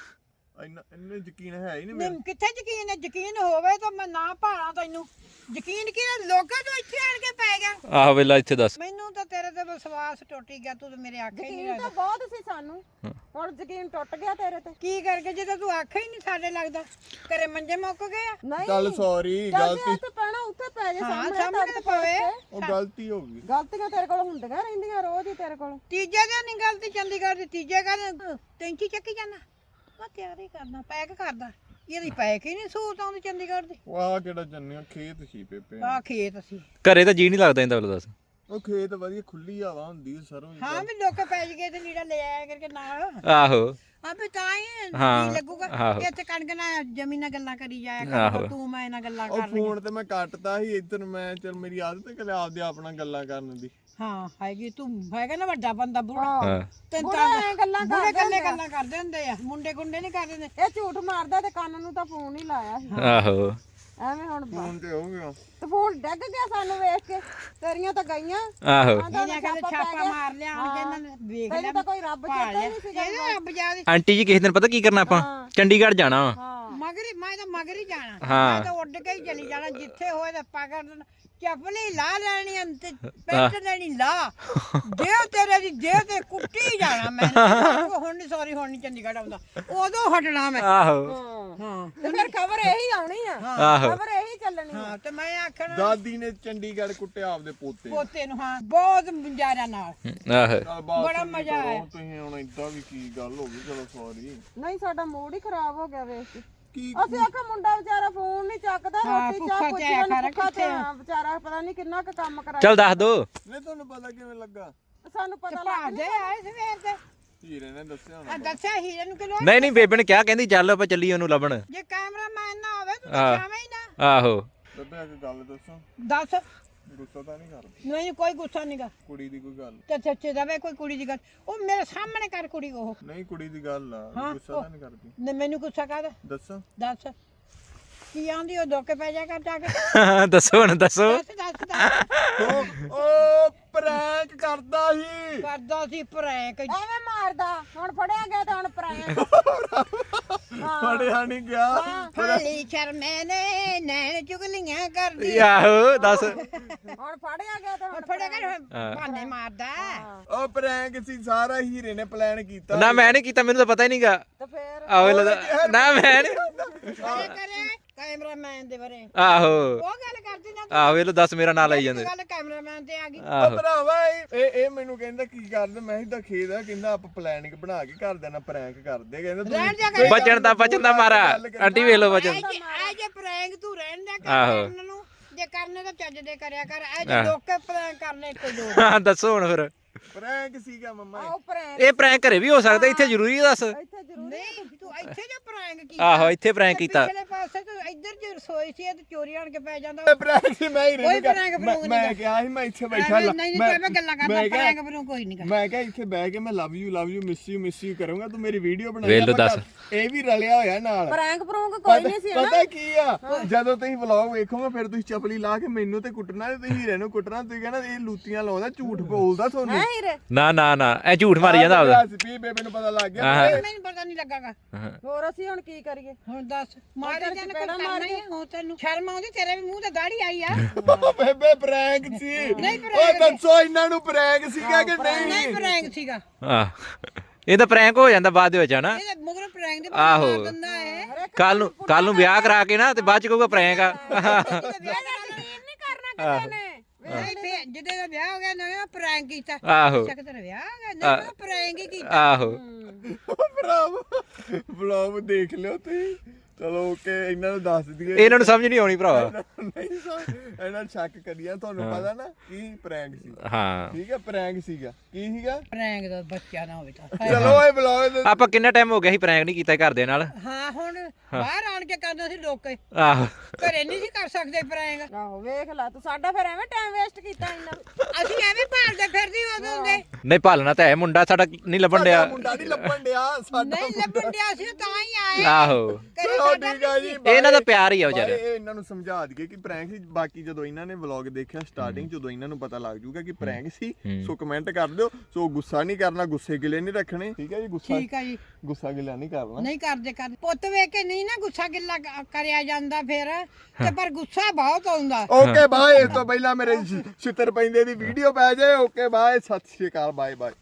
[SPEAKER 3] ਇੰਨੇ ਯਕੀਨ ਹੈ ਹੀ ਨਹੀਂ
[SPEAKER 2] ਨਹੀਂ ਕਿੱਥੇ ਯਕੀਨ ਹੈ? ਯਕੀਨ ਹੋਵੇ ਤਾਂ ਮੈਂ ਨਾ ਭਾਲਾਂ ਤੈਨੂੰ। ਯਕੀਨ ਕੀ ਲੋਕਾਂ ਤੋਂ ਇੱਥੇ ਆਣ ਕੇ ਪੈ ਗਿਆ।
[SPEAKER 1] ਆਹੋ ਵੇਲਾ ਇੱਥੇ ਦੱਸ।
[SPEAKER 2] ਮੈਨੂੰ ਤਾਂ ਤੇਰੇ ਤੇ ਵਿਸ਼ਵਾਸ ਟੁੱਟ ਗਿਆ। ਤੂੰ ਤਾਂ ਮੇਰੇ ਆਖੇ ਹੀ ਨਹੀਂ
[SPEAKER 4] ਯਕੀਨ ਤਾਂ ਬਹੁਤ ਸੀ ਸਾਨੂੰ, ਹੁਣ ਯਕੀਨ ਟੁੱਟ ਗਿਆ ਤੇਰੇ ਤੇ।
[SPEAKER 2] ਕੀ ਕਰਕੇ ਜਦੋਂ ਤੂੰ ਆਖੇ ਹੀ ਨਹੀਂ ਸਾਡੇ ਲੱਗਦਾ। ਘਰੇ ਮੰਜੇ ਮੁੱਕ ਗਏ ਆ।
[SPEAKER 4] ਨਹੀਂ
[SPEAKER 3] ਚੱਲ ਸੌਰੀ ਗਲਤੀ
[SPEAKER 4] ਉੱਥੇ ਪੈਣਾ ਉੱਥੇ ਪੈ ਜੇ
[SPEAKER 2] ਹਾਂ
[SPEAKER 4] ਸਾਹਮਣੇ
[SPEAKER 2] ਸਾਹਮਣੇ ਤਾਂ ਪਵੇ।
[SPEAKER 3] ਉਹ ਗਲਤੀ ਹੋ ਗਈ
[SPEAKER 4] ਗਲਤੀਆਂ ਤੇਰੇ ਕੋਲ ਹੁੰਦੀਆਂ ਰਹਿੰਦੀਆਂ ਰੋਜ਼ ਹੀ ਤੇਰੇ ਕੋਲ।
[SPEAKER 2] ਤੀਜੇ ਦਿਨ ਨਹੀਂ ਗਲਤੀ ਚੰਡੀਗੜ੍ਹ ਦੀ ਤੀਜੇ ਦਿਨ ਟੈਂਕੀ ਚੱਕੀ ਜਾਣਾ। ਮੈਂ ਤਿਆਰੀ ਕਰਨਾ ਪੈਕ ਕਰਦਾ। ਇਹਦੀ ਪੈਕ ਹੀ ਨਹੀਂ ਸੂਤ ਆਉਂਦੀ ਚੰਡੀਗੜ੍ਹ ਦੀ।
[SPEAKER 3] ਵਾਹ ਕਿਹੜਾ ਜੰਨਿਆ ਖੇਤ ਸੀ ਪੇਪੇ
[SPEAKER 2] ਆ ਖੇਤ ਸੀ।
[SPEAKER 1] ਘਰੇ ਤਾਂ ਜੀ ਨਹੀਂ ਲੱਗਦਾ ਇਹਦਾ ਵੇਲਾ ਦੱਸ।
[SPEAKER 3] ਉਹ ਖੇਤ ਵਧੀਆ ਖੁੱਲੀ ਹਵਾ ਹੁੰਦੀ ਸਰੋਂ ਦੀ।
[SPEAKER 2] ਹਾਂ ਵੀ ਲੋਕ ਪੈ ਗਏ ਤੇ ਲੀੜਾ ਲੈ ਆਇਆ ਕਰਕੇ ਨਾਲ।
[SPEAKER 1] ਆਹੋ
[SPEAKER 2] ਆ ਵੀ ਤਾਂ ਹੀ
[SPEAKER 1] ਹਾਂ,
[SPEAKER 2] ਜੀ ਲੱਗੂਗਾ।
[SPEAKER 1] ਆਹੋ।
[SPEAKER 2] ਇੱਥੇ ਕਣਕ ਨਾਲ ਜ਼ਮੀਨ ਨਾਲ ਗੱਲਾਂ ਕਰੀ ਜਾਇਆ
[SPEAKER 1] ਆਹੋ।
[SPEAKER 2] ਕਰ ਤੂੰ ਮੈਂ ਨਾਲ ਗੱਲਾਂ
[SPEAKER 3] ਉਹ
[SPEAKER 2] ਕਰ ਲਈ।
[SPEAKER 3] ਫੋਨ ਤੇ ਮੈਂ ਕੱਟਦਾ ਸੀ ਇੱਧਰ ਮੈਂ ਚਲ ਮੇਰੀ ਆਦਤ ਹੈ ਕਿ ਆਪਦੇ ਆਪਣਾ ਗੱਲਾਂ ਕਰਨ ਦੀ।
[SPEAKER 2] ਹਾਂ ਹੈਗੀ ਤੂੰ ਹੈਗਾ ਨਾ ਵੱਡਾ ਬੰਦਾ ਬੁੜਾ।
[SPEAKER 1] ਹਾਂ
[SPEAKER 2] ਤੈਨੂੰ
[SPEAKER 4] ਬੁੜਾ ਐਂ ਗੱਲਾਂ
[SPEAKER 2] ਬੁੜੇ
[SPEAKER 4] ਕਰਦੇ
[SPEAKER 2] ਗੱਲੇ ਗੱਲਾਂ ਕਰਦੇ ਹੁੰਦੇ ਆ। ਮੁੰਡੇ ਗੁੰਡੇ ਨਹੀਂ ਕਰਦੇ ਹੁੰਦੇ।
[SPEAKER 4] ਇਹ ਝੂਠ ਮਾਰਦਾ ਤੇ ਕੰਨ ਨੂੰ ਤਾਂ ਫੋਨ ਹੀ ਲਾਇਆ ਸੀ।
[SPEAKER 1] ਆਹੋ
[SPEAKER 4] ਐਵੇਂ ਹੁਣ
[SPEAKER 3] ਫੋਨ ਤੇ ਹੋ ਗਿਆ
[SPEAKER 4] ਤੇ ਫੋਨ ਡੱਗ ਗਿਆ ਸਾਨੂੰ ਵੇਖ ਕੇ। ਤੇਰੀਆਂ ਤਾਂ ਗਈਆਂ।
[SPEAKER 1] ਆਹੋ
[SPEAKER 2] ਇਹਨੇ ਕਹਿੰਦੇ ਛਾਪਾ ਮਾਰ ਲਿਆ ਆਣ ਕੇ ਇਹਨਾਂ ਨੇ ਵੇਖ ਲਿਆ।
[SPEAKER 4] ਤੈਨੂੰ ਤਾਂ ਕੋਈ ਰੱਬ ਚੇਤਾ ਹੀ ਨਹੀਂ ਸੀਗਾ।
[SPEAKER 2] ਇਹਦਾ ਰੱਬ ਜਾਦੇ
[SPEAKER 1] ਆਂਟੀ ਜੀ ਕਿਸੇ ਦਿਨ ਪਤਾ ਕੀ ਕਰਨਾ ਆਪਾਂ ਚੰਡੀਗੜ੍ਹ ਜਾਣਾ ਵਾ।
[SPEAKER 4] ਹਾਂ
[SPEAKER 2] ਮਗਰ ਮੈਂ ਤਾਂ ਮਗਰ ਹੀ ਜਾਣਾ।
[SPEAKER 1] ਹਾਂ।
[SPEAKER 2] ਮੈਂ ਤਾਂ ਉੱਡ ਕੇ ਹੀ ਚਲੀ ਜਾਣਾ ਜਿੱਥੇ ਹੋਏ ਤਾਂ ਪਕੜ ਚੱਪਲੀ ਲਾ ਲੈਣੀ ਅੰਤ ਪੈਂਟ ਲੈਣੀ ਲਾ ਜੇ ਤੇਰੇ ਦੀ ਜੇ ਤੇ ਕੁੱਟੀ ਜਾਣਾ ਮੈਂ। ਹੁਣ ਨਹੀਂ ਸੌਰੀ ਹੁਣ ਨਹੀਂ ਚੰਡੀਗੜ੍ਹ ਆਉਂਦਾ ਉਦੋਂ ਹਟਣਾ ਮੈਂ।
[SPEAKER 1] ਆਹੋ
[SPEAKER 2] ਹਾਂ
[SPEAKER 4] ਤੇ ਫਿਰ ਖਬਰ ਇਹੀ ਆਉਣੀ ਆ।
[SPEAKER 1] ਆਹੋ
[SPEAKER 4] ਖਬਰ ਇਹੀ ਚੱਲਣੀ ਆ।
[SPEAKER 2] ਹਾਂ ਤੇ ਮੈਂ ਆਖਣਾ
[SPEAKER 3] ਦਾਦੀ ਨੇ ਚੰਡੀਗੜ੍ਹ ਕੁੱਟਿਆ ਆਪਦੇ ਪੋਤੇ
[SPEAKER 2] ਪੋਤੇ ਨੂੰ। ਹਾਂ ਬਹੁਤ ਮੁੰਜਾਰਾ ਨਾਲ
[SPEAKER 1] ਆਹੋ
[SPEAKER 3] ਚੱਲ ਬਾਤ
[SPEAKER 2] ਬੜਾ ਮਜ਼ਾ ਆਇਆ।
[SPEAKER 3] ਤੁਸੀਂ ਹੁਣ ਇਦਾਂ ਵੀ ਕੀ ਗੱਲ ਹੋ ਗਈ ਚਲੋ ਸੌਰੀ
[SPEAKER 4] ਨਹੀਂ ਸਾਡਾ ਮੂਡ ਹੀ ਖਰਾਬ ਹੋ ਗਿਆ ਵੇਖ ਕੇ।
[SPEAKER 3] ਕੀ
[SPEAKER 4] ਅਸੀਂ ਆਖਿਆ ਮੁੰਡਾ ਵਿਚਾਰਾ ਫੋਨ ਨਹੀਂ ਚੱਕਦਾ।
[SPEAKER 2] ਹਾਂ,
[SPEAKER 4] ਰੋਟੀ
[SPEAKER 2] ਭੁੱਖਾ
[SPEAKER 4] ਚਾਹ
[SPEAKER 2] ਤੇ
[SPEAKER 4] ਪੁੱਛਿਆ
[SPEAKER 2] ਆਇਆ
[SPEAKER 4] ਨੂੰ
[SPEAKER 2] ਖਰਾ
[SPEAKER 4] ਭੁੱਖਾ ਤੇ
[SPEAKER 2] ਕਿੱਥੇ
[SPEAKER 4] ਹਾਂ, ਵਿਚਾਰਾ ਪਤਾ ਨਹੀਂ ਕਿੰਨਾ ਕੁ ਕੰਮ ਕਰਾਇਆ।
[SPEAKER 1] ਚੱਲ ਦੱਸ ਦੋ।
[SPEAKER 3] ਨਹੀਂ ਤੁਹਾਨੂੰ ਪਤਾ ਕਿਵੇਂ ਲੱਗਾ?
[SPEAKER 4] ਸਾਨੂੰ ਪਤਾ ਲੱਗ
[SPEAKER 2] ਭਾਜੇ ਆਏ ਸਵੇਰ ਦੇ।
[SPEAKER 3] ਹੀਰੇ ਨੇ ਦੱਸਿਆ
[SPEAKER 2] ਆ
[SPEAKER 3] ਹੋਣਾ।
[SPEAKER 2] ਦੱਸਿਆ ਹੀਰੇ ਨੂੰ ਕਿਲੋ।
[SPEAKER 1] ਨਹੀਂ ਨਹੀਂ ਬੇਬੇ ਨੇ ਕਿਹਾ ਕਹਿੰਦੀ ਚੱਲ ਆਪਾਂ ਚੱਲੀਏ ਉਹਨੂੰ ਲੱਭਣ।
[SPEAKER 2] ਜੇ ਕੈਮਰਾਮੈਨ ਨਾ ਹੋਵੇ ਤੂੰ ਤਾਂ ਜਾਵੇਂ ਹੀ ਨਾ।
[SPEAKER 1] ਆਹੋ
[SPEAKER 3] ਬੇਬੇ ਇੱਕ ਗੱਲ ਦੱਸੋ
[SPEAKER 2] ਦੱਸ।
[SPEAKER 3] ਗੁੱਸਾ ਤਾਂ ਨਹੀਂ ਕਰਦਾ
[SPEAKER 2] ਨਹੀਂ ਕੋਈ ਗੁੱਸਾ ਨਹੀਂਗਾ।
[SPEAKER 3] ਕੁੜੀ ਦੀ ਕੋਈ ਗੱਲ
[SPEAKER 2] ਤੇ ਸੱਚੇ ਦਵੇ ਕੋਈ ਕੁੜੀ ਦੀ ਗੱਲ ਉਹ ਮੇਰੇ ਸਾਹਮਣੇ ਕਰ ਕੁੜੀ ਉਹ।
[SPEAKER 3] ਨਹੀਂ ਕੁੜੀ ਦੀ ਗੱਲ ਆ
[SPEAKER 2] ਹਾਂ,
[SPEAKER 3] ਗੁੱਸਾ ਤਾਂ ਨਹੀਂ ਕਰਦੀ
[SPEAKER 2] ਨੇ ਮੈਨੂੰ ਗੁੱਸਾ ਕਰ
[SPEAKER 3] ਦੱਸੋ
[SPEAKER 2] ਦੱਸ ਕੀ ਆਂਦੀ ਉਹ ਧੋਕੇ ਪੈ ਜਾ ਕਰ ਜਾ ਕੇ।
[SPEAKER 1] ਦੱਸੋ ਹੁਣ ਦੱਸੋ।
[SPEAKER 2] ਦੱਸ
[SPEAKER 3] ਉਹ ਪ੍ਰੈਂਕ ਕਰਦਾ ਸੀ
[SPEAKER 2] ਕਰਦਾ ਸੀ ਪ੍ਰੈਂਕ।
[SPEAKER 4] ਐਵੇਂ ਮਾਰਦਾ। ਹੁਣ ਫੜਿਆ ਗਿਆ ਤੇ ਹੁਣ ਪਰਾਇਆ।
[SPEAKER 3] ਫੜਿਆ ਨਹੀਂ ਗਿਆ
[SPEAKER 2] ਹਾਲੀ ਸ਼ਰਮੇ ਨੇ ਨੈਣ ਚੁਗਲੀਆਂ ਕਰਦੀ।
[SPEAKER 1] ਆਹੋ ਦੱਸ।
[SPEAKER 4] ਹੁਣ ਫੜਿਆ ਗਿਆ ਤੇ ਹੁਣ
[SPEAKER 2] ਫੜਿਆ ਕਰ ਬਹਾਨੇ ਮਾਰਦਾ।
[SPEAKER 3] ਉਹ ਪ੍ਰੈਂਕ ਸੀ ਸਾਰਾ ਹੀਰੇ ਨੇ ਪਲਾਨ ਕੀਤਾ
[SPEAKER 1] ਨਾ ਮੈਂ ਨਹੀਂ ਕੀਤਾ ਮੈਨੂੰ ਤਾਂ ਪਤਾ ਹੀ ਨਹੀਂਗਾ।
[SPEAKER 4] ਤੇ ਫੇਰ
[SPEAKER 1] ਆਹੋ ਨਾ ਮੈਂ ਨਹੀਂ।
[SPEAKER 2] ਕਰੇ ਕਰੇ ਕੈਮਰਾਮੈਨ ਦੇ ਬਾਰੇ
[SPEAKER 1] ਆਹੋ
[SPEAKER 2] ਉਹ ਗੱਲ ਕਰਦੀ ਨਾ।
[SPEAKER 1] ਆਹੋ ਇਹ ਲੋ ਦੱਸ ਮੇਰਾ ਨਾਂ ਲਾਈ ਜਾਂਦੇ।
[SPEAKER 2] ਗੱਲ ਕੈਮਰਾਮੈਨ ਤੇ ਆ ਗਈ।
[SPEAKER 1] ਆਹੋ
[SPEAKER 3] ਭਰਾਵਾ ਇਹ ਮੈਨੂੰ ਕਹਿੰਦਾ ਕੀ ਕਰਦੇ ਮੈਂ ਇਦਾਂ ਖੇਦ ਆ ਕਹਿੰਦਾ ਆਪਾਂ ਪਲਾਨਿੰਗ ਬਣਾ ਕੇ ਘਰ ਦੇ ਨਾਲ ਪ੍ਰੈਂਕ ਕਰਦੇ ਕਹਿੰਦਾ
[SPEAKER 2] ਰਹਿਣ ਦਿਆ ਕਰ।
[SPEAKER 1] ਬਚਣ ਦਾ ਮਾਰਾ ਆਂਟੀ ਵੇਖ ਲੋ ਬਚਨ।
[SPEAKER 2] ਐ ਜੇ ਪ੍ਰੈਂਕ ਤੂੰ ਰਹਿਣ ਦਾ
[SPEAKER 1] ਆਹੋ।
[SPEAKER 2] ਕਰਨ ਨੂੰ ਜੇ ਕਰਨੇ ਤਾਂ ਚੱਜ ਦੇ ਕਰਿਆ ਕਰ। ਐ ਜੇ ਲੋਕੇ ਪ੍ਰੈਂਕ ਕਰਨੇ ਕੋਈ ਲੋੜ।
[SPEAKER 1] ਹਾਂ ਦੱਸੋ ਹੁਣ ਫਿਰ।
[SPEAKER 3] ਪ੍ਰੈਂਕ ਸੀਗਾ ਮੰਮਾ
[SPEAKER 4] ਉਹ ਪ੍ਰੈਂਕ
[SPEAKER 1] ਇਹ ਪ੍ਰੈਂਕ ਘਰੇ ਵੀ ਹੋ ਸਕਦਾ ਇੱਥੇ ਜ਼ਰੂਰੀ ਹੈ ਦੱਸ।
[SPEAKER 4] ਇੱਥੇ ਜ਼ਰੂਰ
[SPEAKER 2] ਨਹੀਂ ਤੂੰ ਇੱਥੇ ਜੇ ਪ੍ਰੈਂਕ ਕੀਤਾ।
[SPEAKER 1] ਆਹੋ ਇੱਥੇ ਪ੍ਰੈਂਕ ਕੀਤਾ।
[SPEAKER 2] ਪਿਛਲੇ ਪਾਸੇ ਤੂੰ ਇੱਧਰ ਜੇ ਰਸੋਈ ਸੀ ਤੇ ਚੋਰੀ ਆਣ ਕੇ ਪੈ ਜਾਂਦਾ।
[SPEAKER 3] ਪ੍ਰੈਂਕ ਸੀ ਮੈਂ ਹੀਰੇ
[SPEAKER 2] ਕੋਈ
[SPEAKER 3] ਨੂੰ ਕਿਹਾ-
[SPEAKER 2] prank prank
[SPEAKER 3] ਮੈਂ ਕਿਹਾ ਸੀ ਮੈਂ ਇੱਥੇ ਬੈਠਾ
[SPEAKER 2] ਨਹੀਂ ਨਹੀਂ ਤੂੰ ਐਵੇਂ ਗੱਲਾਂ ਕਰਦਾ
[SPEAKER 3] ਮੈਂ ਕਿਹਾ-
[SPEAKER 2] ਪ੍ਰੈਂਕ ਬਰੂ ਕੋਈ ਨਹੀਂ
[SPEAKER 3] ਮੈਂ ਕਿਹਾ ਇੱਥੇ ਬਹਿ ਕੇ ਮੈਂ ਲਵ ਯੂ ਮਿਸ ਯੂ ਕਰੂੰਗਾ ਤੂੰ ਮੇਰੀ ਵੀਡੀਓ ਬਣਾ
[SPEAKER 1] ਵੇਖ ਲਓ ਦੱਸ।
[SPEAKER 3] ਇਹ ਵੀ ਰਲਿਆ ਹੋਇਆ ਨਾਲ
[SPEAKER 4] ਪ੍ਰੈਂਕ ਪ੍ਰੂੰਕ ਕੋਈ ਨਹੀਂ ਸੀ
[SPEAKER 3] ਪਤਾ ਕੀ ਆ ਜਦੋਂ ਤੁਸੀਂ ਵਲੌਗ ਵੇਖੋਗੇ ਫਿਰ ਤੁਸੀਂ ਚਪਲੀ ਲਾ ਕੇ ਮੈਨੂੰ ਤੇ ਕੁੱਟਣਾ ਤੇ ਤੁਸੀਂ ਹੀਰੇ ਨੂੰ ਕੁੱਟਣਾ ਤੁਸੀਂ ਕਹਿੰਦਾ ਇਹ ਲੂਤੀਆਂ ਲਾਉਂਦਾ ਝੂਠ ਬੋਲਦਾ ਤੁਹਾਨੂੰ
[SPEAKER 4] ਹੈ ਹੀਰੇ।
[SPEAKER 1] ਨਾ ਇਹ ਝੂਠ ਮਾਰੀ ਜਾਂਦਾ ਆਪਦਾ।
[SPEAKER 3] ਵੀ ਬੇਬੇ ਨੂੰ ਪਤਾ ਲੱਗ ਗਿਆ
[SPEAKER 2] ਮੈਨੂੰ ਪਤਾ ਨਹੀਂ ਲੱਗਾਗਾ।
[SPEAKER 4] ਹੋਰ ਅਸੀਂ ਹੁਣ ਕੀ ਕਰੀਏ?
[SPEAKER 2] ਹੁਣ ਦੱਸ ਮਾਰੀ ਜਾਨ ਕੋਈ ਕਰਨਾ ਹੀ ਆ। ਹੁਣ ਤੈਨੂੰ ਸ਼ਰਮ ਆਉਂਦੀ ਤੇਰੇ ਵੀ ਮੂੰਹ ਤੇ ਦਾੜੀ ਆਈ ਆ।
[SPEAKER 3] ਬੇਬੇ ਪ੍ਰੈਂਕ ਸੀ
[SPEAKER 2] ਨਹੀਂ
[SPEAKER 3] ਉਹ ਦੱਸੋ ਇਹਨਾਂ ਨੂੰ ਪ੍ਰੈਂਕ ਸੀਗਾ ਕਿ
[SPEAKER 2] ਨਹੀਂ
[SPEAKER 3] ਨਹੀਂ
[SPEAKER 2] ਪ੍ਰੈਂਕ ਸੀਗਾ।
[SPEAKER 1] ਆਹ ਇਹ ਤਾਂ ਪ੍ਰੈਂਕ ਹੋ ਜਾਂਦਾ ਬਾਅਦ ਦੇ ਵਿੱਚ ਹਨਾ।
[SPEAKER 2] ਇਹ ਮਗਰ ਪ੍ਰੈਂਕ ਦੇ
[SPEAKER 1] ਆਹੋ।
[SPEAKER 2] ਮਾਰ ਦਿੰਦਾ ਹੈ।
[SPEAKER 1] ਕੱਲ ਨੂੰ ਵਿਆਹ ਕਰਾ ਕੇ ਨਾ ਤੇ ਬਾਅਦ ਚ ਕਹੂਗਾ ਪ੍ਰੈਂਕ ਆ।
[SPEAKER 4] ਨਹੀਂ ਕਰਨਾ ਕਿਸੇ ਨੇ।
[SPEAKER 2] ਨਹੀਂ ਫੇ ਜਿਹਦੇ ਦਾ ਵਿਆਹ ਹੋ ਗਿਆ ਨਾ ਪ੍ਰੈਂਕ ਕੀਤਾ।
[SPEAKER 1] ਆਹੋ
[SPEAKER 2] ਚੱਕ ਤੇਰਾ ਵਿਆਹ ਹੋ ਗਿਆ ਨਾ ਪ੍ਰੈਂਕ ਹੀ ਕੀਤਾ।
[SPEAKER 1] ਆਹੋ
[SPEAKER 3] ਭਰਾਵਾ ਵਲੌਗ ਦੇਖ ਲਿਓ ਤੁਸੀਂ ਚਲੋ ਓਕੇ ਇਹਨਾਂ ਨੂੰ ਦੱਸ ਦਈਏ
[SPEAKER 1] ਇਹਨਾਂ ਨੂੰ ਸਮਝ ਨਹੀਂ ਆਉਣੀ ਭਰਾਵਾ।
[SPEAKER 3] ਨਹੀਂ ਇਹਨਾਂ ਸ਼ੱਕ ਕਰੀਏ ਤੁਹਾਨੂੰ ਪਤਾ ਨਾ ਕੀ ਪ੍ਰੈਂਕ ਸੀ।
[SPEAKER 1] ਹਾਂ
[SPEAKER 3] ਠੀਕ ਹੈ ਪ੍ਰੈਂਕ ਸੀਗਾ ਕੀ ਸੀਗਾ
[SPEAKER 2] ਪ੍ਰੈਂਕ ਦਾ ਬੱਚਾ ਨਾ ਹੋਵੇ ਤਾਂ
[SPEAKER 3] ਚਲੋ ਇਹ ਬਲੌਗ ਦੇ
[SPEAKER 1] ਆਪਾਂ ਕਿੰਨਾ ਟਾਈਮ ਹੋ ਗਿਆ ਸੀ ਪ੍ਰੈਂਕ ਨਹੀਂ ਕੀਤਾ ਘਰ ਦੇ ਨਾਲ।
[SPEAKER 2] ਹਾਂ ਹੁਣ ਬਾਹਰ ਆਣ ਕੇ ਕਰਨਾ ਸੀ ਲੋਕੇ
[SPEAKER 1] ਆਹੋ
[SPEAKER 2] ਘਰੇ ਨਹੀਂ ਸੀ ਕਰ ਸਕਦੇ ਪ੍ਰੈਂਕ।
[SPEAKER 4] ਆਹੋ ਵੇਖ ਲੈ ਤੂੰ ਸਾਡਾ ਫਿਰ ਐਵੇਂ ਟਾਈਮ ਵੇਸਟ ਕੀਤਾ ਇੰਨਾ।
[SPEAKER 2] ਅਸੀਂ ਐਵੇਂ ਭਾਲਦੇ ਫਿਰਦੀ ਉਦੋਂ ਦੇ
[SPEAKER 1] ਨਹੀਂ ਭਾਲਣਾ ਤਾਂ ਹੈ ਮੁੰਡਾ ਸਾਡਾ ਨਹੀਂ ਲੱਭਣ ਡਿਆ।
[SPEAKER 3] ਮੁੰਡਾ ਨਹੀਂ ਲੱਭਣ ਡਿਆ ਸਾਡਾ
[SPEAKER 2] ਨਹੀਂ ਲੱਭਣ ਡਿਆ ਸੀ ਤਾਂ ਹੀ ਆਏ
[SPEAKER 1] ਆਹੋ
[SPEAKER 2] ਘਰੇ
[SPEAKER 3] ਚਲੋ ਠੀਕ ਆ ਜੀ
[SPEAKER 1] ਇਹਨਾਂ ਦਾ ਪਿਆਰ ਹੀ ਆ
[SPEAKER 3] ਬਾਏ,
[SPEAKER 1] ਵਿਚਾਰੇ।
[SPEAKER 3] ਇਹ ਇਹਨਾਂ ਨੂੰ ਸਮਝਾ ਦਈਏ ਕਿ ਪ੍ਰੈਂਕ ਸੀ। ਬਾਕੀ ਜਦੋਂ ਇਹਨਾਂ ਨੇ ਵਲੌਗ ਦੇਖਿਆ ਸਟਾਰਟਿੰਗ ਜਦੋਂ ਇਹਨਾਂ ਨੂੰ ਪਤਾ ਲੱਗ ਜੂਗਾ ਕਿ ਪ੍ਰੈਂਕ ਸੀ ਸੋ ਕਮੈਂਟ ਕਰ ਦਿਓ। ਸੋ ਗੁੱਸਾ ਨਹੀਂ ਕਰਨਾ, ਗੁੱਸੇ ਗਿਲੇ ਨਹੀਂ ਰੱਖਣੇ ਠੀਕ ਹੈ ਜੀ।
[SPEAKER 2] ਠੀਕ ਆ ਜੀ
[SPEAKER 3] ਗੁੱਸਾ ਗਿਲਾ ਨਹੀਂ ਕਰਨਾ।
[SPEAKER 2] ਨਹੀਂ ਕਰਦੇ ਪੁੱਤ ਵੇਖ ਕੇ ਨਹੀਂ ਨਾ ਗੁੱਸਾ ਗਿੱਲਾ ਕਰਿਆ ਜਾਂਦਾ ਫਿਰ ਤੇ ਪਰ ਗੁੱਸਾ ਬਹੁਤ ਆਉਂਦਾ।
[SPEAKER 3] Okay bye. ਇਸ ਤੋਂ ਪਹਿਲਾਂ ਮੇਰੇ ਛਿੱਤਰ ਪੈਂਦੇ ਦੀ ਵੀਡੀਓ ਪੈ ਜਾਏ। ਓਕੇ ਬਾਏ, ਸਤਿ ਸ਼੍ਰੀ ਅਕਾਲ, ਬਾਏ ਬਾਏ।